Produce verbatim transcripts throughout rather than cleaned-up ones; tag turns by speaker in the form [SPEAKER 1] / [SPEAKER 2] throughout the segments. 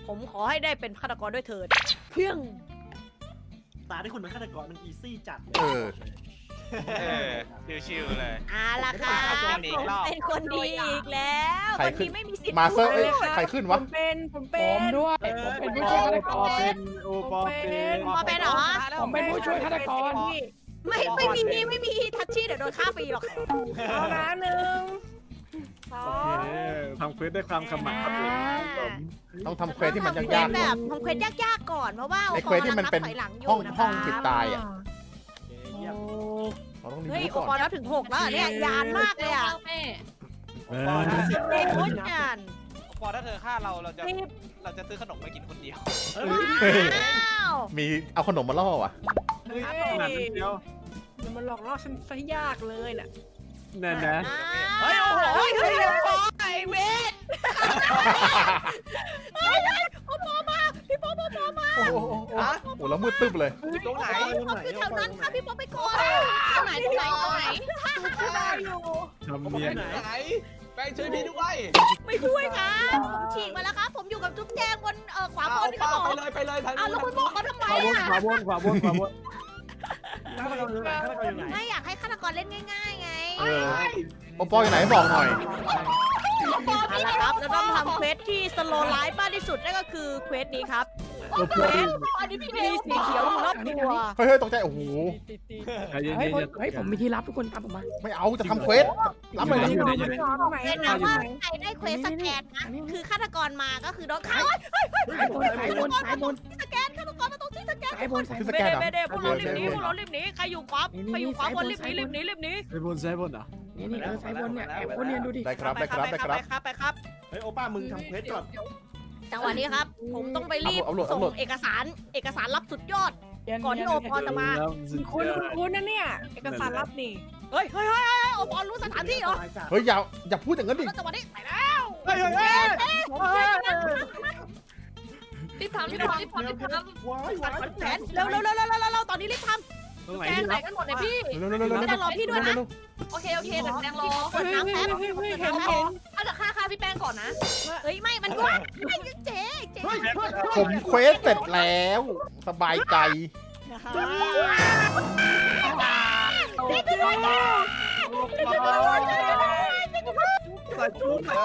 [SPEAKER 1] ผมขอให้ได้เป็นฆาตกรด้วยเถิดเพียง
[SPEAKER 2] ตาที่คุณเป็นฆาตกรมันอีซี่จัดเลย
[SPEAKER 3] เออ
[SPEAKER 4] เออชิวๆเลย
[SPEAKER 1] เอาล่ะค่ะ
[SPEAKER 4] ผม
[SPEAKER 1] ผมเป็นคนดีอีกแล้ว
[SPEAKER 3] ใคร
[SPEAKER 1] คน
[SPEAKER 3] ขึ้
[SPEAKER 1] ดี
[SPEAKER 3] น
[SPEAKER 1] ไม่มีสิทธิ์
[SPEAKER 3] มาเซอร์
[SPEAKER 1] พู
[SPEAKER 3] เอ้
[SPEAKER 1] ด
[SPEAKER 3] ย
[SPEAKER 1] เลย
[SPEAKER 3] ใครขึ้น
[SPEAKER 5] ผ
[SPEAKER 3] วะ
[SPEAKER 5] มเป็นผม
[SPEAKER 6] ผ
[SPEAKER 5] เป็น
[SPEAKER 6] มด้วย
[SPEAKER 2] เออ
[SPEAKER 6] ผมเป็นผู้ช่วยฆาตกร
[SPEAKER 2] เป็นโอปอเป็น
[SPEAKER 1] พอเป็นเหรอ
[SPEAKER 6] ผมเป็นผู้ช่วยฆาตกร
[SPEAKER 1] ไม่ไม่มีไม่มีทัชชี่เดี๋ยวโดนฆ่าฟรีหรอก
[SPEAKER 5] เอานะหนึ่งสอ
[SPEAKER 2] โอง เคทำเควสด้วยความขมักเขม้นผม
[SPEAKER 3] ต้องทำเควสที่มัน
[SPEAKER 1] ทำเคว
[SPEAKER 3] ยา
[SPEAKER 1] ส
[SPEAKER 3] ก
[SPEAKER 1] แบบทำเควสยากๆก่อนเพราะว่า
[SPEAKER 3] ไอ้เควสที่มันเป็น
[SPEAKER 1] โอปอลำบถอยหลังอยู่
[SPEAKER 3] ห้อง
[SPEAKER 1] นะคะ
[SPEAKER 3] ห้องปิดตายอ่ะ
[SPEAKER 2] เยี่ยม
[SPEAKER 3] เราต้องรี
[SPEAKER 1] เฮ้ย
[SPEAKER 3] วิว
[SPEAKER 1] โอ
[SPEAKER 3] ก่อน
[SPEAKER 1] ปอลแล้วถึงหกแล้วเหรอเนี่ยยานมากเลยอ่ะ
[SPEAKER 2] โอปอจะเสีย
[SPEAKER 1] เด็กโคตรยาน
[SPEAKER 4] พอถ้าเธอฆ่าเราเราจะเราจะซื้อขนมไปกินคนเดียว
[SPEAKER 2] เฮ้ย
[SPEAKER 1] ว้าว
[SPEAKER 3] มีเอาขนมมาล่อว่ะ
[SPEAKER 5] เฮ้ย
[SPEAKER 2] ขนาดนั้นเดียว
[SPEAKER 5] เดี๋ยวมันหลอกล่อฉันซะยากเลยน่ะ
[SPEAKER 2] นั่นนะ
[SPEAKER 1] เฮ้ยโอ้โหเฮ้ยเฮ้ยโอปอไอเวทเฮ้ยเฮ้ยโอปอมาพี่ป๊อปโอปอมา
[SPEAKER 3] โอ้โหโอ้โหโอ้โหแล้วมืดตึ๊บเลย
[SPEAKER 4] ตรงไหน
[SPEAKER 1] พี่ป๊อปอยู่แถวนั้นค่ะพี่ป๊อปไปก่อน
[SPEAKER 7] ตรงไหนตรงไหนตรงไหน
[SPEAKER 5] ได้อยู่
[SPEAKER 2] ทำเนียน
[SPEAKER 4] ไหนแป้งช่วยพี่ด้วย
[SPEAKER 1] ไม่ช่วยครับผมฉีกมาแล้วครับผมอยู่กับจุ๊บแจงบนเอ่อขวาบนครับผม
[SPEAKER 4] ไปเลยไปเลยทาง
[SPEAKER 1] อ้าวแล้วคุณบอกเขาทำไม
[SPEAKER 2] ขวาบน
[SPEAKER 1] อ่ะ
[SPEAKER 2] ขวาบนขวาบนขวาบนฆาตกรอยู่ไหนฆาตกรอยู่ไหน
[SPEAKER 1] ไม่อยากให้ฆาตกรเล่นง่ายๆไง
[SPEAKER 3] เออโอปออยู่ไหนบอกหน่อย
[SPEAKER 1] เอาละครับแล้วต้องทำเควสที่สโลไลฟ์มากที่สุดนั่นก็คือเควสนี้ครับ
[SPEAKER 2] โอป
[SPEAKER 1] เคว
[SPEAKER 2] อ
[SPEAKER 1] สอันนี้พี่มีสีเขียวอยู่รอบตัว
[SPEAKER 3] เฮ้ยเฮ้ยตกใจโอ้โห
[SPEAKER 2] เย็น
[SPEAKER 6] เฮ้ย
[SPEAKER 2] เย็น
[SPEAKER 6] เฮ้ยผมมีที่รับทุกคนตามผมมา
[SPEAKER 3] ไม่เอาจะทำเควสรับไปเลย
[SPEAKER 2] อยู่ไหนอยู่ไหน
[SPEAKER 5] ตรงไหน
[SPEAKER 1] เห็นนะว่าใครได้เควสสแกนนะคือฆาตกรมาก็คือโดนฆ่าเฮ้ย
[SPEAKER 6] สายบนสายบนสายบน
[SPEAKER 1] สแกนฆาตกรมาตรงที่สแกน
[SPEAKER 6] สายบนสาย
[SPEAKER 3] คื
[SPEAKER 6] บ
[SPEAKER 3] อน สแกนเหรอ
[SPEAKER 1] ไม่ได้พวกเรารีบหนีพวกเรารีบหนีใครอยู่ขวาใครอยู่ขวาบนรีบหนีรีบหนีรีบหนี
[SPEAKER 2] ไอ้บนซ้ายบนเหรอ
[SPEAKER 6] นี่นี่เออสายบนเนี่ยแอบคนเนี่ยดูดิ
[SPEAKER 3] ได้ครับได้ครับได้ครับ
[SPEAKER 1] ไปครับไปครับ
[SPEAKER 2] เฮ้ยโอป้ามึงทำเควสก่อน
[SPEAKER 1] จังหวะนี้ครับ ผมต้องไปรีบ
[SPEAKER 3] เอาโหลด
[SPEAKER 1] ส่
[SPEAKER 3] เอาโหลด
[SPEAKER 1] งเอกสารเอกสารลับสุดยอด ก่อนที่โอปอจะมา
[SPEAKER 5] คุณคุณคุณนะเนี่ยเอกสารลับนี่
[SPEAKER 1] เฮ้ยเฮ้ยเฮ้ยเฮ้ยโอปอรู้สถานที่เหรอ
[SPEAKER 3] เฮ้ยอย่าอย่าพูดอย่างนั้นดิ
[SPEAKER 1] แล้วจังหวะนี้ไปแล้ว
[SPEAKER 2] เฮ้ยเฮ้ยเฮ้ย
[SPEAKER 7] รีบทำรีบทำรีบทำรีบทำ
[SPEAKER 2] ว้ายว้าย
[SPEAKER 1] แผนเร็วเร็วเร็วเร็วเร็วเร็วตอนนี้รีบท
[SPEAKER 2] ตรงไหน
[SPEAKER 7] แกง
[SPEAKER 2] ที่
[SPEAKER 7] ไหน
[SPEAKER 2] รับ
[SPEAKER 7] กันหมดเนี่ยพี่
[SPEAKER 3] เร็วเร็วเร็วเร็ว
[SPEAKER 1] ำไม่ต้องรอพี่ด้วยนะ
[SPEAKER 7] โอเคโอเคเดี๋ยวแกงรอ
[SPEAKER 1] เปิดน้ำแป๊บ
[SPEAKER 5] เฮ้ยเฮ้ย
[SPEAKER 1] เปิด
[SPEAKER 5] เห็น
[SPEAKER 1] น้ำแป๊
[SPEAKER 5] เห็
[SPEAKER 1] บ
[SPEAKER 5] น
[SPEAKER 7] ถ้าจะฆ่าฆ่าพี่แป้งก่อนนะ
[SPEAKER 1] เฮ้ยไม่มันด้วยไม่เจ๊เจ๊
[SPEAKER 2] เฮ้ยเฮ้ย
[SPEAKER 3] ผมเควสเสร็จแล้ว สบายใจ
[SPEAKER 1] นี่คือด้วยนะ
[SPEAKER 2] ใส่จุ๊บมา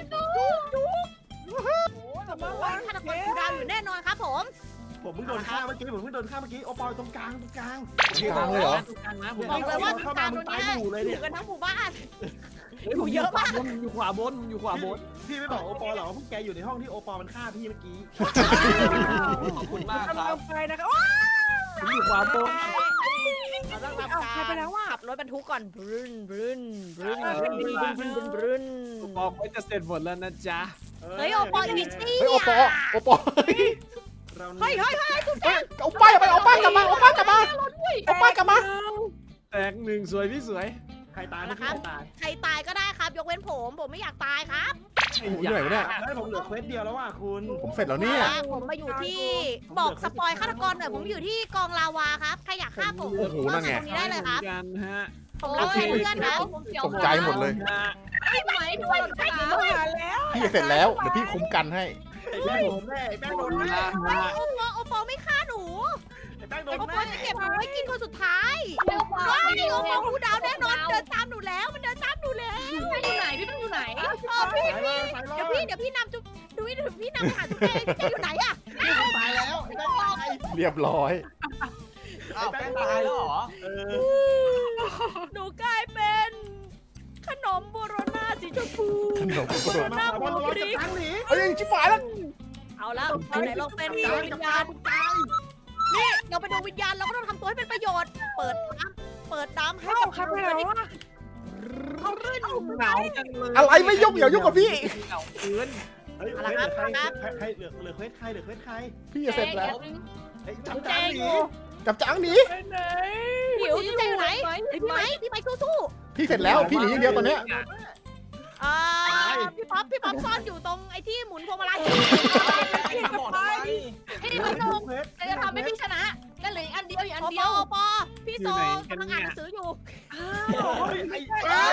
[SPEAKER 1] ฆาตกรกูดาวอยู่แน่นอนครับผม
[SPEAKER 2] ผมเพิ่งโดนฆ่าเมื่อกี้ผมเพิ่งโดนฆ่าเมื่อกี้โอปอตรงกลางตรงกลาง
[SPEAKER 3] กลางเลยเหรอ
[SPEAKER 1] บอกเลยว่าตามตรง
[SPEAKER 2] ตาย
[SPEAKER 1] นี้
[SPEAKER 2] อยู่เลย
[SPEAKER 1] อ
[SPEAKER 2] เนี่ย
[SPEAKER 1] ยู่กันทั้งหมู่บ้าน
[SPEAKER 2] อยู่เยอะมากอยู่ขวาบนอยู่ขวาบนพี่ไม่บอกโอปอหรอว่าพวกแกอยู่ในห้องที่โอปอมันฆ่าพี่เมื่อกี้
[SPEAKER 4] ขอบคุณมาก
[SPEAKER 5] กำ
[SPEAKER 4] ค
[SPEAKER 5] ลั
[SPEAKER 4] รับ
[SPEAKER 5] งไปนะคะว้า
[SPEAKER 2] ผมอยู่ขวาบน
[SPEAKER 1] เราต้อง
[SPEAKER 5] เอา
[SPEAKER 1] ทำ
[SPEAKER 5] ใครไป
[SPEAKER 1] การ
[SPEAKER 5] แล้วว่า
[SPEAKER 1] ขับรถบรรทุกก่อนบรึนบรึนบรึน
[SPEAKER 5] เออบ
[SPEAKER 1] รึนบรึนบรึนบรึนบรึน
[SPEAKER 2] โอปอไม่จะเสร็จหมดแล้วนะจ๊ะ
[SPEAKER 1] เฮ้ยโอปออีซี่
[SPEAKER 3] เฮ้ยโอปอโอปอ
[SPEAKER 2] เรา
[SPEAKER 1] เฮ้ยเฮ้ยเฮ้ยจุ๊บ
[SPEAKER 3] เฮ้ยเอาป้ายไปเอาป้ายกลับมาเอาป้ายกลับมาเอาป้ายกลับมา
[SPEAKER 2] แตกหนึ่งสวยพี่สวยใครตายไม่ใครตาย
[SPEAKER 1] ใครตายก็ได้ครับ ยกเว้นผม ผมไม่อยากตายครับ
[SPEAKER 3] โอ้โหอยู่ไหนวะเนี่ย
[SPEAKER 2] ให้ผมเหลือเควสเดียวแล้วว่ะคุณ
[SPEAKER 3] ผมเสร็จแล้วเนี่ย
[SPEAKER 1] ผมมาอยู่ที่บอกสปอยฆาตกรหน่อยผมอยู่ที่กองลาวาครับใครอยากฆ่าผม
[SPEAKER 3] โอ้โหนั่นไง
[SPEAKER 1] ตรงนี้ได้เลยครับ
[SPEAKER 2] กันฮะ
[SPEAKER 1] ผมรักเพื่อนครับ
[SPEAKER 3] ตกใจหมดเลย
[SPEAKER 7] ไม่ไหมพี่ว่าเราจะฆ่า
[SPEAKER 5] มาแล้ว
[SPEAKER 3] พี่เสร็จแล้วเดี๋ยวพี่คุ้มกันให้
[SPEAKER 2] ไอ้แป้งโดนแน่ไอ้แป้งโดนแน่
[SPEAKER 1] โอปอโอปอไม่ฆ่าหนู
[SPEAKER 2] ไอ้แป้งโด
[SPEAKER 1] โอน ป
[SPEAKER 2] แน่
[SPEAKER 1] อจะเก็บหนูไว้กินคนสุดท้าย
[SPEAKER 7] เร็วกว่า
[SPEAKER 1] ว้าย
[SPEAKER 7] พี่
[SPEAKER 1] โอ
[SPEAKER 7] โอ
[SPEAKER 1] ปอกูดาวแน่นอนเดินตามหนูแล้วมันเดินตามหนูแล้ว
[SPEAKER 7] อยู่ไหนพี่เป็นอยู่ไหน
[SPEAKER 1] เออพี่พี่เดี๋ยวพี่เดี๋ยวพี่นำจุ๊บดูนี่เดี๋ยวพี่นำไปหาจุ๊บเองจุ๊บเองอยู่ไหนอะ
[SPEAKER 2] ตายแล้วไอ้แป้งตาย
[SPEAKER 3] เรียบร้อย
[SPEAKER 4] อ้าวแป้งตายแล้วเหรอ
[SPEAKER 2] เออ
[SPEAKER 1] หนูกลายเป็นขนมโบโรนาสีชมพู
[SPEAKER 3] ขนมกระโดด
[SPEAKER 2] มาขวาบนเราจะตั้งหนี
[SPEAKER 3] เอ้ยชิบหายแล้ว
[SPEAKER 1] เอาแล้วเอาไหนลองเป็นดวงวิญญาณ
[SPEAKER 2] ตาย
[SPEAKER 1] นี่เราเป็นดวงวิญญาณเราก็ต้องทำตัวให้เป็นประโยชน์ เปิดน้ำเปิดน้ำให้
[SPEAKER 5] เข้า
[SPEAKER 1] กับ
[SPEAKER 5] ครับไปแล้วว่า
[SPEAKER 1] เขารื่น
[SPEAKER 2] หนาวจังเลย
[SPEAKER 3] อะไรไม่ยุ่งอย่ายุ่งกับพี่
[SPEAKER 2] หนาวเกินเฮ้ยเหลือใครใครเหลือเหลือเควสใครเหลือเควสใคร
[SPEAKER 3] พี่จะเสร็จแล้ว
[SPEAKER 2] ไอ้จับจังหนี
[SPEAKER 3] จับจังหนี
[SPEAKER 5] ไปไหน
[SPEAKER 1] หิวจุ๊บแจงอยู่ไหนพี่ไหมพี่ไหมสู้
[SPEAKER 3] พี่เสร็จแล้วพี่หนีอย่างเดียวตอนเนี้ย
[SPEAKER 1] ๆอ่าพี่ป๊อปพี่ป๊อปซ่อนอยู่ตรงไอ้ที่หมุนพวงมาลัย
[SPEAKER 4] ทำหมดทำไม
[SPEAKER 7] พี่มันโดนจะทำให้พี่ชนะนั่นเหลืออันเดียวอีกอัน
[SPEAKER 1] โอ
[SPEAKER 7] เดี
[SPEAKER 1] ป
[SPEAKER 7] ย
[SPEAKER 1] อ
[SPEAKER 7] ว
[SPEAKER 1] โอปอพี่โซกำลังอ่านหนังสืออยู่
[SPEAKER 2] ไอ้ไอ้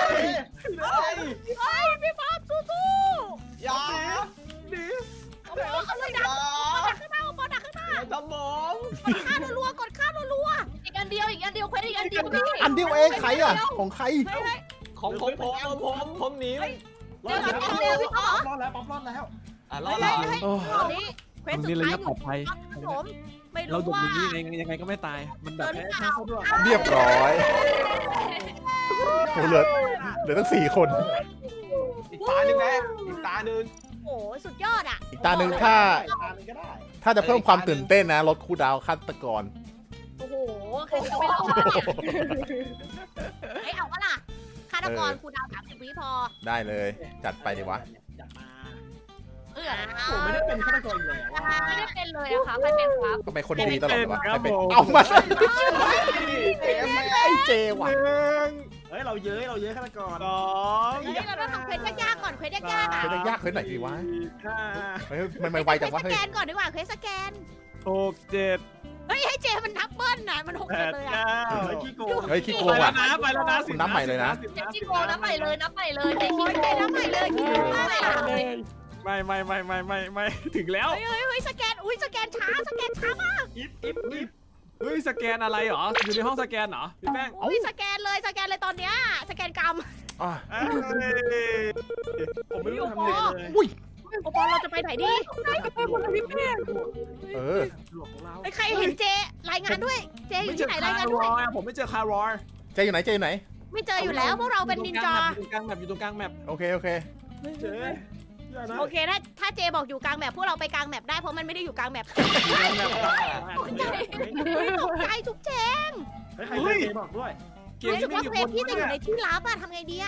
[SPEAKER 2] ไอ้
[SPEAKER 1] เฮ้ยพี่ป๊อปสู้
[SPEAKER 4] อย่า
[SPEAKER 2] หนี
[SPEAKER 1] ๆโอปอเขาเลยดังดฆ่ารัวๆกดฆ่ารัว
[SPEAKER 7] อีกอันเดียวอีกอันเดียวเควสอีกอันเดียวพี่
[SPEAKER 3] อันเดียวเองใครอ่ะของใคร
[SPEAKER 1] ๆเฮ้ย
[SPEAKER 4] ของผมผมผมผมหนี
[SPEAKER 2] รอดแล้วรอดแล้วป๊อปรอดแล้วป๊อปรอดแล้ว
[SPEAKER 4] อ่ะร
[SPEAKER 1] เฮ้
[SPEAKER 4] อย ด
[SPEAKER 1] เฮ้ย
[SPEAKER 4] แล้ว
[SPEAKER 1] เฮ้ยตอนนี้เควสสุด
[SPEAKER 8] นี่ระ
[SPEAKER 1] ท้าย
[SPEAKER 8] ยะ
[SPEAKER 1] อ
[SPEAKER 8] ปลอยู่ ดภัย
[SPEAKER 1] ครับผมไม่
[SPEAKER 8] เรา
[SPEAKER 1] รู้
[SPEAKER 8] ดุ
[SPEAKER 1] ว่า
[SPEAKER 8] นี่เองยังไงก็ไม่ตาย มันแบบ
[SPEAKER 1] เดินหรือเปล่า
[SPEAKER 3] เรียบร้อยโอ้เหลือเหลือตั้งสี่คน
[SPEAKER 4] อีกตาหนึ่งแม่อีกตาหนึ่ง
[SPEAKER 1] โอ้โหสุดยอดอ่ะ
[SPEAKER 3] อีกตาหนึ่งถ้า
[SPEAKER 2] ตามก็ได้
[SPEAKER 3] ถ้าจะเพิ่มความตื่นเต้นนะลดคูลดาวน์ฆาตกร
[SPEAKER 1] โอ้โหใครจะไปรอดเนี่ยเฮ้ยเอาวะล่ะฆาตกรครูดาวสามสิบวิพอ
[SPEAKER 3] ได้เลยจัดไปดีวะ
[SPEAKER 2] จัดมา
[SPEAKER 7] เออ
[SPEAKER 2] ผมไม่ได้เป็นฆาตกรอีกแล้ว
[SPEAKER 7] ไม่ได้เป็นเลยอะค่ะใครเป็นครับ
[SPEAKER 3] ก็เป็นคนดีตลอดเลยวะ
[SPEAKER 8] ครับ
[SPEAKER 3] ใครเป็น
[SPEAKER 8] ผม
[SPEAKER 3] เอามา
[SPEAKER 4] เอ็มแม่
[SPEAKER 3] ไอ้เจว่ะ
[SPEAKER 2] เฮ้ยเราเย้ยเราเย้ยฆาตกร
[SPEAKER 8] สอง
[SPEAKER 1] เฮ้ยเราต้องทำเควสยากๆก่อนเควสยากๆอ่ะ
[SPEAKER 3] เฮ้ยมันยากเฮ้ยไหนดีวะ
[SPEAKER 2] ห้า
[SPEAKER 3] เฮ้ยมันไม่ไวจังวะ
[SPEAKER 1] เควสส
[SPEAKER 3] เฮ้ย
[SPEAKER 1] แกนก่อนดีกว่าเควสสแกน
[SPEAKER 8] หกเจ็ด
[SPEAKER 1] เฮ้ยให้เจมันนับเบิ้ลน่ะมันหก
[SPEAKER 8] แป
[SPEAKER 1] เจ็ด
[SPEAKER 8] ด
[SPEAKER 1] เลยอ่ะ
[SPEAKER 8] เก้า
[SPEAKER 2] เฮ้ยขี้โกง
[SPEAKER 3] เฮ้ยขี้โก
[SPEAKER 8] ไป
[SPEAKER 3] ง
[SPEAKER 8] แล้
[SPEAKER 3] ว่ะ
[SPEAKER 8] วนะไปแล้วนะสิบ
[SPEAKER 3] นับใหม่เลยนะ
[SPEAKER 7] เจ๊ขี้โกงนับใหม่เลยนับใหม่เลยเจ๊ขี้
[SPEAKER 1] โอ้ย
[SPEAKER 7] โก
[SPEAKER 1] เจ
[SPEAKER 7] ง
[SPEAKER 1] นับใหม่เลยคิดถึงมากเลยอ่ะ
[SPEAKER 8] ไม่ไม่ไม่ไม่ไม่ไม่ถึงแล้ว
[SPEAKER 1] เฮ้ยเฮ้ยเฮ้ยสแกนอุ้ยสแกนช้าสแกนช้ามาก
[SPEAKER 2] อิฟอิฟอิฟ
[SPEAKER 8] เฮ้ยสแกนอะไรเหรออยู่ในห้องสแกนเหรอพี่แป้ง
[SPEAKER 1] อุ้ยสแกนเลยสแกนเลยตอนเนี้ยสแกนกรรม
[SPEAKER 3] อ่ะ
[SPEAKER 8] เอ้ย
[SPEAKER 2] ผมไม่รู้ทำยังไงเลย
[SPEAKER 3] อุ้ย
[SPEAKER 1] โอปอลเราจะไปไหนดี
[SPEAKER 3] เออ
[SPEAKER 2] หลวงของเรา
[SPEAKER 1] ไอ้ยใครเห็นเจรายงานด้วยเจอ
[SPEAKER 8] ไม่
[SPEAKER 1] ยู่
[SPEAKER 8] เจ
[SPEAKER 1] ที่
[SPEAKER 8] อ
[SPEAKER 1] ไหน
[SPEAKER 8] คาร
[SPEAKER 1] ายงาน
[SPEAKER 8] ร
[SPEAKER 1] ด้วย
[SPEAKER 8] อยผมไม่เจอคารอย
[SPEAKER 3] เจอยู่ไหนเจอยู่ไหน
[SPEAKER 1] ไม่เจออยู่แล้วพวกเราเป็นนินจา
[SPEAKER 8] อยู่ตรงกลางแมปอยู่ตรงกลางแมป
[SPEAKER 3] โอเคโอเค
[SPEAKER 2] เจ๊อย่านะ
[SPEAKER 1] โอเคถ้าถ้าเจบอกอยู่กลางแมปพวกเราไปกลางแมปได้เพราะมันไม่ได้อยู่กลางแมป
[SPEAKER 8] อยู่กลางแมป
[SPEAKER 1] เฮ้ยตกใจทุกเจง
[SPEAKER 2] เฮ้ยใครเจ๊บอกด้วย
[SPEAKER 8] เกม
[SPEAKER 1] รู้สึ
[SPEAKER 8] นี้
[SPEAKER 1] ก
[SPEAKER 8] ไม่
[SPEAKER 1] ว่า
[SPEAKER 8] มี
[SPEAKER 1] เคว
[SPEAKER 8] ค
[SPEAKER 1] ส
[SPEAKER 8] น
[SPEAKER 1] พี่จะอยู่ในที่ลับอะทำไงดีอะ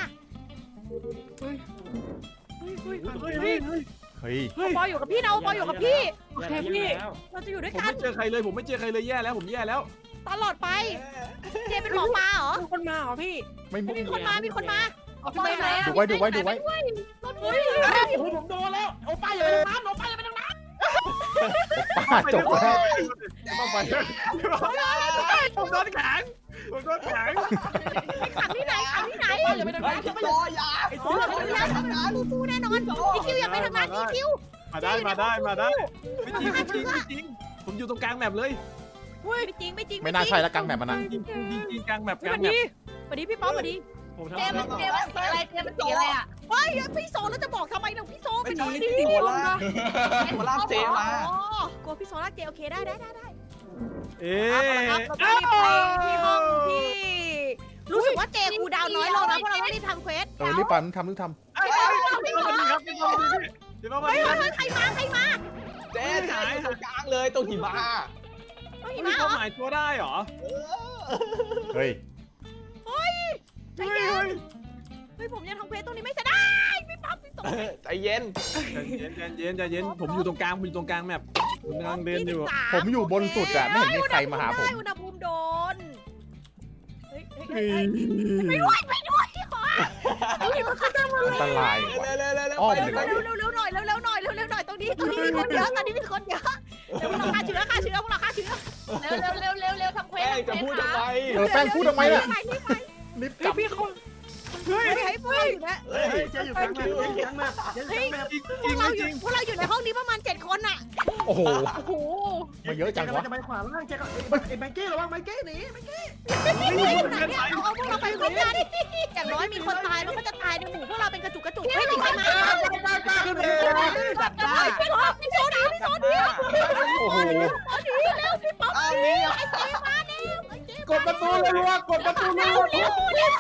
[SPEAKER 8] เฮ้ยเฮ้ยเฮ้ย
[SPEAKER 3] เฮ้ย
[SPEAKER 8] เฮ้ย
[SPEAKER 1] ปออยู่กับพี่นะปออยู่กับพี่
[SPEAKER 2] โอเคพี่
[SPEAKER 1] เราจะอยู่ด้วย
[SPEAKER 8] ผม
[SPEAKER 1] กัน
[SPEAKER 8] ไม่เจอใครเลยผมไม่เจอใครเลยแย่แล้วผมแย่แล้ว
[SPEAKER 1] ตลอดไป เจเป็นหมอปลาเหรอ
[SPEAKER 5] มีคนมาเหรอพี่
[SPEAKER 3] ไม่มุ
[SPEAKER 1] มีคนมามีคนมา
[SPEAKER 7] เอาไปไหนอะ
[SPEAKER 3] ดูไว้ดูไว้ดูไว้
[SPEAKER 1] รถอุ้ย
[SPEAKER 2] โอ้โหผมโดนแล้วโอ้ป้าอย่าไปทางนั้นโอ้ป้าอย่าไปทางนั้น
[SPEAKER 3] ป้าจบแล้ว
[SPEAKER 8] ต้องไปผมโดนแข็งผมโดนแข็ง
[SPEAKER 1] ขังที่ไหนขังที่ไหน
[SPEAKER 2] อย่าไปทางนั้นอย่าไป
[SPEAKER 4] ร
[SPEAKER 2] ทาง
[SPEAKER 4] อยา
[SPEAKER 2] ไอ้
[SPEAKER 1] โอ้
[SPEAKER 2] ตัวย
[SPEAKER 1] แล้วฟูฟูแน่นอนอีคิวอย่าไปทางนั้นอีคิว
[SPEAKER 8] มาได้มาได้มาได้ไม่จริงไม่จริงไม่จริงผมอยู่ตรงกลางแมปเลย
[SPEAKER 1] ไม่จริงไม่จริง
[SPEAKER 3] ไม่น่าใช่แล้วกลางแมปมันอ่ะ
[SPEAKER 8] จริงจริงจริงกลางแมป
[SPEAKER 1] ส
[SPEAKER 8] กลา
[SPEAKER 1] วั
[SPEAKER 8] ง
[SPEAKER 1] ส
[SPEAKER 8] แมป
[SPEAKER 1] ดีสวัสดีพี่ป๊อปสวัสดี
[SPEAKER 2] ผมทำ
[SPEAKER 7] เจ๊มันเจ๊มันสีอะไรเจ๊มันสีอะไรอะ
[SPEAKER 1] เฮ้ยพี่โซแล้วจะบอกทำไมเราพี่โซไป
[SPEAKER 4] ไม่
[SPEAKER 1] หน่
[SPEAKER 4] ใช่
[SPEAKER 1] อยดิ
[SPEAKER 4] หัวลากหัวลากเจมา
[SPEAKER 1] อ๋อกลัวพี่โซลากเจโอเคได้ได้ได้ได้
[SPEAKER 8] เอ๊
[SPEAKER 1] ครับ
[SPEAKER 8] ะ
[SPEAKER 1] เราต้องรีบไปที่ห้องที่รู้สึกว่าเจคูดาวน้อยลงนะเพราะเราต้องรีบทำเควส
[SPEAKER 3] เออรีบไปทำรีบท
[SPEAKER 8] พี่ป้ามาดีครับพี่ป้ามาดีพี่ป้ามา
[SPEAKER 1] เฮ้ย
[SPEAKER 8] ดี
[SPEAKER 1] เฮ้ยใครมาใครมา
[SPEAKER 4] เจ๊หายตรงกลางเลยตรงหิมะ
[SPEAKER 1] เฮ้ย
[SPEAKER 8] มี
[SPEAKER 1] มาเหร
[SPEAKER 8] เขา
[SPEAKER 1] อ
[SPEAKER 8] หมายตัวได้เหรอ
[SPEAKER 3] ำเฮ้ย
[SPEAKER 1] ใจเย็นเฮ้ยผมยังทำเควสตรงนี้ไม่เสร็จได้พี่ป๊อปพี่โซ
[SPEAKER 4] ใจเย็น
[SPEAKER 8] ใจเย็นใจเย็นใจเย็นผมอยู่ตรงกลางผมอยู่ตรงกลางแมปผมกำลังเดินอยู่
[SPEAKER 3] ผมอยู่บนสุดอะไม่เห็นมีใครมาหาผม
[SPEAKER 1] อุณหภูมิโดนเฮ้ยเฮ้ย
[SPEAKER 8] เฮ้
[SPEAKER 1] เฮ้ย
[SPEAKER 8] ย
[SPEAKER 1] ไม่ด้วยไม่ด้วยขอ
[SPEAKER 3] อันตราย
[SPEAKER 4] เร็วเร็วเร็วเร็ว
[SPEAKER 3] อ้อม
[SPEAKER 4] ไป
[SPEAKER 3] หนึ่ง
[SPEAKER 4] ไป
[SPEAKER 1] เร็วเร็วเร็วหน่อยเร็วเร็วหน่อยเร็วเร็วหน่อยตรงนี้ตรงนี้มีคนเยอะตอนนี้มีคนเยอะเดี๋ยวพวกเราฆ่าเชื้อฆ่าเชื้อพวกเราฆ่าเชื้อ
[SPEAKER 7] เร็วเร็วเร็วเร็วเร็วทำเควส
[SPEAKER 4] แป้งจะพูดทำไม
[SPEAKER 3] เออแป้งพูดทำไมล่ะ
[SPEAKER 1] รีบไป
[SPEAKER 3] รีบก
[SPEAKER 5] เฮ้
[SPEAKER 3] ลั
[SPEAKER 5] ย
[SPEAKER 3] บ
[SPEAKER 5] พี่เขา
[SPEAKER 1] เฮ้ยให้พวกเราอยู่นะ
[SPEAKER 2] เฮ้ยเจ๊อยู่กลางแมปเจ๊อยู่กลางแมปเจ๊อยู่กลางแมป
[SPEAKER 8] จริง
[SPEAKER 1] พวกเรา
[SPEAKER 8] ไม่
[SPEAKER 1] อ
[SPEAKER 8] จ
[SPEAKER 1] ยู่
[SPEAKER 8] ริง
[SPEAKER 1] พวกเราอยู่ในห้องนี้ประมาณเจ็ดคนอะ
[SPEAKER 3] โอ้โห
[SPEAKER 5] โอ้โห
[SPEAKER 3] มาเยอะจังวะ
[SPEAKER 2] จะไปขวาล่างเจ๊ก็ไอ้ไอ้แมงกี้ระวังแมงกี้หนีแมงกี้
[SPEAKER 1] อยู่ไหนเนี่ยเอาเอาพวกเราไปร่วมกันอย่างน้อยมีคนตายแล้วก็จะตายในหมู่พวกเราเป็นกระจุกกระจุกเฮ้ยมีใครมา
[SPEAKER 2] จับได้
[SPEAKER 1] พี่โซพี่โซดีพี่โซดี
[SPEAKER 3] โอ้โห
[SPEAKER 1] ดีแล้วพี่ป๊อป
[SPEAKER 4] อ้าวนี่
[SPEAKER 1] ไอ้เจมาแล้วไอ้เจ
[SPEAKER 3] กดประตูเลยว่ากดประตูเลย
[SPEAKER 1] เร็วเร็วเร็ว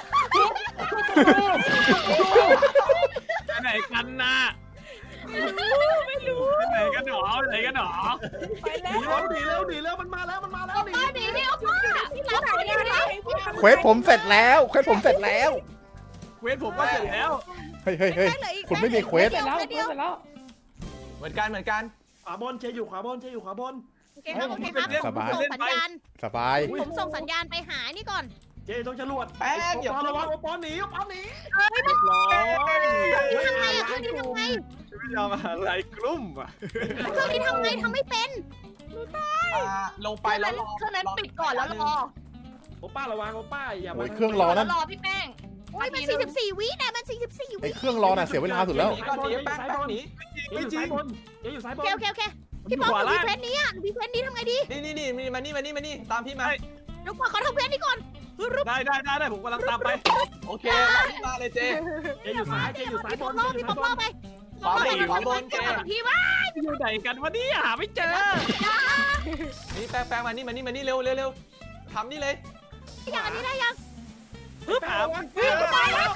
[SPEAKER 8] ไปไหนกันน่ะ
[SPEAKER 1] ไม่รู้
[SPEAKER 8] ไปไหนกันหนอไปไหนกันหนอ
[SPEAKER 5] ไปแล้
[SPEAKER 2] หนี
[SPEAKER 5] ว
[SPEAKER 2] แล้วหนีแล้วหนีแล้วมันมาแล้วมันมาแล้วหนี
[SPEAKER 7] ป้าดีนี่เอาป้า
[SPEAKER 1] พี่รับไหนอยู่ไหน
[SPEAKER 3] เควสผมเสร็จแล้วเควสผมเสร็จแล้ว
[SPEAKER 8] เวทผมก็เสร็จแล้ว
[SPEAKER 3] เฮ้ยเฮ้ยเฮ้ย คุณไม่มีเควส
[SPEAKER 5] เสร็จแล้วเสร็จแล้ว
[SPEAKER 4] เหมือนกันเหมือนกัน
[SPEAKER 2] ขวาบนเจ๊อยู่ขวาบนเจ๊อยู่ขวาบน
[SPEAKER 1] โอเคครับโอเคครับผมส่งสัญญาณ
[SPEAKER 3] สบาย
[SPEAKER 1] ผมส่งสัญญาณไปหานี่ก่อน
[SPEAKER 2] เจ๊ต้องจรวด
[SPEAKER 4] แป้งอย่า
[SPEAKER 2] ปอระวังโอปอหนีโอปอหนี
[SPEAKER 8] ร้อย
[SPEAKER 1] ทำไงอะเครื่องนี้ทำไง
[SPEAKER 8] ไม่ยอมอะไรกลุ่มอ่ะ
[SPEAKER 1] เครื่องนี้ทำไงทำไม่เป็น
[SPEAKER 4] ลงไปแล้วรอ
[SPEAKER 7] เครื่องนั้นปิดก่อนแล้วรอ
[SPEAKER 2] โอป้าระวังโอป้าอย่า
[SPEAKER 3] โอ้ยเครื่องรอนั่น
[SPEAKER 7] รอพี่แป้ง
[SPEAKER 1] โอ้ยมันสี่สิบสี่วินะมันสี่สิบสี่
[SPEAKER 3] ไอ
[SPEAKER 1] วิ
[SPEAKER 3] เครื่องรอน่ะเสียเวลาสุดแล้ว
[SPEAKER 4] หนีก่อนหนีแป้งแป้งหนี
[SPEAKER 2] เจ๊อยู่ซ้ายบนเจ๊อยู่ซ้ายบ
[SPEAKER 1] โอน เคโอเคโอเคพี่ป๊อปหนูมีเพชรนี้อ่ะหนูมีเพชรนี้ทำไงดี
[SPEAKER 9] นี่นี่นี่มานี่มานี่มานี่ตามพี่มา
[SPEAKER 1] เดี๋ยวก่อนขอทำเพชรนี้ก่อน
[SPEAKER 8] ได้ได้ได้ได้ผมกำลังตามไป
[SPEAKER 9] โอเคพี่มาเลยเจ
[SPEAKER 2] เจอยู่ซ้ายเจอยู่ซ้ายบน
[SPEAKER 1] ล่อพี่ป๊อปล่อไป
[SPEAKER 9] ขวาบนขวาบนเจ
[SPEAKER 1] พี่ว่า
[SPEAKER 8] อยู่ไหนกันวะเนี่ยหาไม่เจอ
[SPEAKER 9] นี่แป้งแป้งมานี่มานี่มานี่เร็วเร็วเร็วทำนี่เลย
[SPEAKER 1] อย่างอันนี้ได้ยัง
[SPEAKER 8] หา
[SPEAKER 1] ตายแล้ว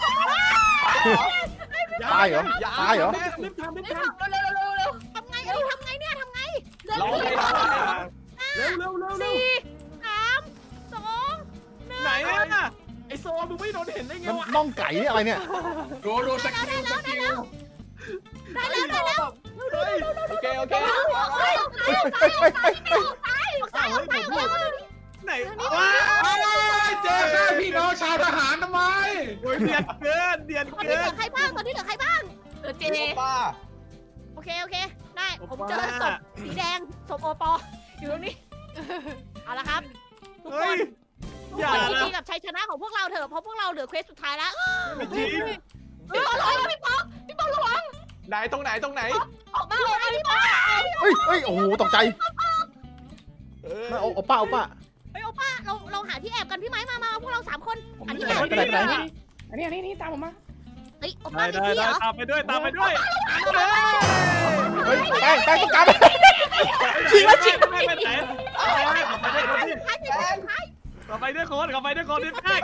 [SPEAKER 3] ตายเหรอตายเหรอ
[SPEAKER 2] รีบทำรีบ
[SPEAKER 7] ไม่
[SPEAKER 2] ท
[SPEAKER 7] ทำเร็วเร็วเร็วเร็ว
[SPEAKER 1] ทำไงอันนี้ทำไงเนี่ยทำไง
[SPEAKER 9] รอเลยรอเลย
[SPEAKER 2] ำเร็วเร็วเร็วเร็ว
[SPEAKER 1] สี่สามสอง
[SPEAKER 8] ไหนอ่ะ
[SPEAKER 2] ไอโซมึงไม่โดนเห็นได้ไง
[SPEAKER 3] นั่น
[SPEAKER 2] วะ
[SPEAKER 3] น่องไก่นี่อะไรเนี่ย
[SPEAKER 8] ดูดูสกิลสกิล
[SPEAKER 1] ได้แล้วได้แล้ว
[SPEAKER 9] โอเคโอเค
[SPEAKER 1] เฮ้ย
[SPEAKER 3] เฮ้ยเฮ้ยเฮ้ยเฮ้ยเฮ้ย
[SPEAKER 1] ตายออกไปออกไปออกไป
[SPEAKER 8] ไหน
[SPEAKER 7] ว้ายเจอข้าพี่น้องชาวทหารทำไม
[SPEAKER 8] โอ้ยเดียนเกินเดียน
[SPEAKER 1] ตอนนี้
[SPEAKER 8] เกิ
[SPEAKER 1] เหลื
[SPEAKER 8] น
[SPEAKER 1] อใครบ้างตอนนี้เหลือใครบ้าง
[SPEAKER 7] เออเจ
[SPEAKER 9] ป้า
[SPEAKER 1] โอเคโอเคได้ผมเจอศพสีแดงศพโอปออยู่ตรงนี้เอาละครับทุก
[SPEAKER 8] เฮ้
[SPEAKER 1] ค
[SPEAKER 8] ย
[SPEAKER 1] นทุก
[SPEAKER 8] อย่า
[SPEAKER 1] คนยิน
[SPEAKER 8] นะ
[SPEAKER 1] ดีกับชัยชนะของพวกเราเถอะเพราะพวกเราเหลือเควสสุดท้ายแล้ว
[SPEAKER 8] ไม่จริง
[SPEAKER 1] พี่บอลระวังพี่ป๊อปพี่บอลระวัง
[SPEAKER 9] ไหนตรงไหนตรงไหน
[SPEAKER 1] ออกมาออกมาพี่ป๊อป
[SPEAKER 3] เฮ้ยเฮ้ยโอ้โหตกใจ
[SPEAKER 9] เออ
[SPEAKER 3] เอาเอาป้าเอาป้า
[SPEAKER 1] เฮ้ยโอป้าเราเราหาที่แอบกันพี่ไม้มามาพวกเราสามคน
[SPEAKER 6] ผม
[SPEAKER 1] อันนี้
[SPEAKER 6] ไป
[SPEAKER 1] แอบ
[SPEAKER 6] ไหนไปไหนไปไหนอันนี้อันนี้นี่ตามผมมา
[SPEAKER 1] เฮ้ยโอ
[SPEAKER 8] ได้
[SPEAKER 1] ป้ามี
[SPEAKER 8] ได้
[SPEAKER 1] ที่เห
[SPEAKER 8] ได้
[SPEAKER 1] รอ
[SPEAKER 8] ตามไปด้วยตามไปด้วย
[SPEAKER 3] เฮ้ยแป้งแป้งต้องกลับฉีกแล้วฉีก
[SPEAKER 8] ไม่ไปไหนขับไปด้วยคนที่
[SPEAKER 1] ท้ายสิท้ายท้าย
[SPEAKER 8] ขับไปด้วยคนขับไปด้วยคนพี่แป้ง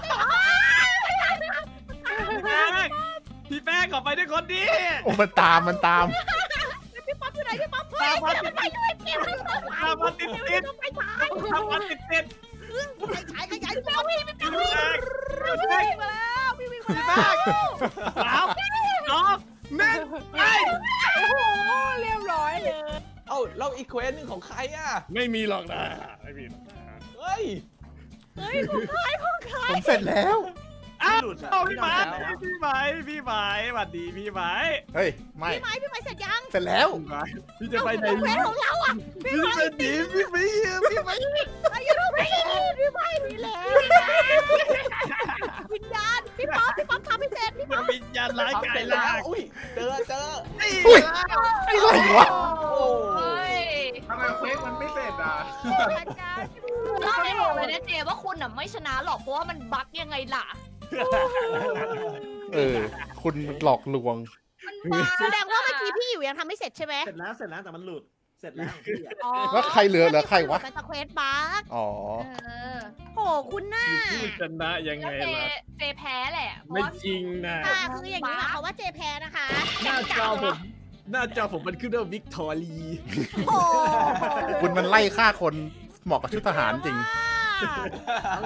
[SPEAKER 8] พี่แป้งพี่แป้งขับไปด้วยคนดี
[SPEAKER 3] โอ้มันตามมันตาม
[SPEAKER 1] พี่ป๊อปอยู่ไหนพี่ป๊อปเฮ้ยเดี๋ยวมันไปด้วยเก็บมันไป
[SPEAKER 8] ตามมาติดติด
[SPEAKER 1] ต้องไปท้าย
[SPEAKER 8] ตามมาติดติด
[SPEAKER 1] ไปฉายขยายพี่ป๊อปพี่พี่ป๊อป
[SPEAKER 8] พี่แป้ง
[SPEAKER 1] พี่วิ่งมาแล้วพี่วิ่งมา
[SPEAKER 8] พี่
[SPEAKER 1] แล้ว
[SPEAKER 8] แป้งสามสองหนึ่งไป
[SPEAKER 5] โอ้โหเรียบร้อยเลย
[SPEAKER 9] เอ้าเราอีกเควสหนึ่งของใครอ่ะ
[SPEAKER 8] ไม่มีหรอกนะไม่มี
[SPEAKER 9] เฮ้ย
[SPEAKER 1] เฮ้ยของใครของใคร
[SPEAKER 3] ผมเสร็จแล้ว
[SPEAKER 8] อ้าวพี่ไม้พี่ไม้พี่ไม้สวัสดีพี่ไม้
[SPEAKER 3] เฮ้ยไม่
[SPEAKER 1] พี่ไม้พี่ไม้เสร็จยัง
[SPEAKER 3] เสร็จแล้ว
[SPEAKER 8] พี่จะไปไหน
[SPEAKER 1] เควสของเราอ่ะ
[SPEAKER 8] พี่จะไปหนีพี่ไม่พี่ไม่
[SPEAKER 1] อายุเราไม่พี่ไม้พี่แล้ววิญญาณพี่ป๊อปพี่ป๊อปทำให้เสร็จพี่ป๊อป
[SPEAKER 8] วิญญาณร้าย
[SPEAKER 9] ทำ
[SPEAKER 8] กา
[SPEAKER 9] เส
[SPEAKER 8] ย
[SPEAKER 9] ร็จแล้
[SPEAKER 8] ลาว
[SPEAKER 9] อุ้ยเจอเจอ
[SPEAKER 3] อุ้ยไอ้ไรวะ
[SPEAKER 9] โอ้
[SPEAKER 7] เฮ้ย
[SPEAKER 8] ทำไมเควสมันไม่เสร็จอ่ะ
[SPEAKER 1] อาจารย์
[SPEAKER 7] เราไม่บอกเลยนะเจว่าคุณอ่ะไม่ชนะหรอกเพราะว่ามันบั๊กยังไงล่ะ
[SPEAKER 3] เออคุณหลอกลวง
[SPEAKER 7] มันบั๊ก
[SPEAKER 1] แสดงว่าเมื่อกี้พี่อยู่ยังทำไม่เสร็จใช่ไหม
[SPEAKER 2] เสร็จแล้วเสร็จแล้วแต่มันหลุดเสร็จแล้ว
[SPEAKER 1] อ๋อ
[SPEAKER 3] แล้วใครเหลือเหลือใครวะ
[SPEAKER 1] มันจะเควสบั๊ก
[SPEAKER 3] อ๋อ
[SPEAKER 7] เออ
[SPEAKER 1] โหคุณน่า
[SPEAKER 8] ชนะยัง
[SPEAKER 7] แล้
[SPEAKER 8] ไง
[SPEAKER 7] วเจ
[SPEAKER 8] ล่ะ
[SPEAKER 7] เจแพ้แหละเพราะ
[SPEAKER 8] ไม่
[SPEAKER 7] ว่า
[SPEAKER 8] จริงนะ
[SPEAKER 1] ค่ะคืออย่างนี้หมายความว่าเจแพ้นะคะ
[SPEAKER 8] หน้าจอผมหน้าจอผมมันขึ้นว่าวิกตอรี
[SPEAKER 1] โอ้
[SPEAKER 3] คุณมันไล่ฆ่าคนเหมาะกับชุดทหารจริง
[SPEAKER 1] ว่า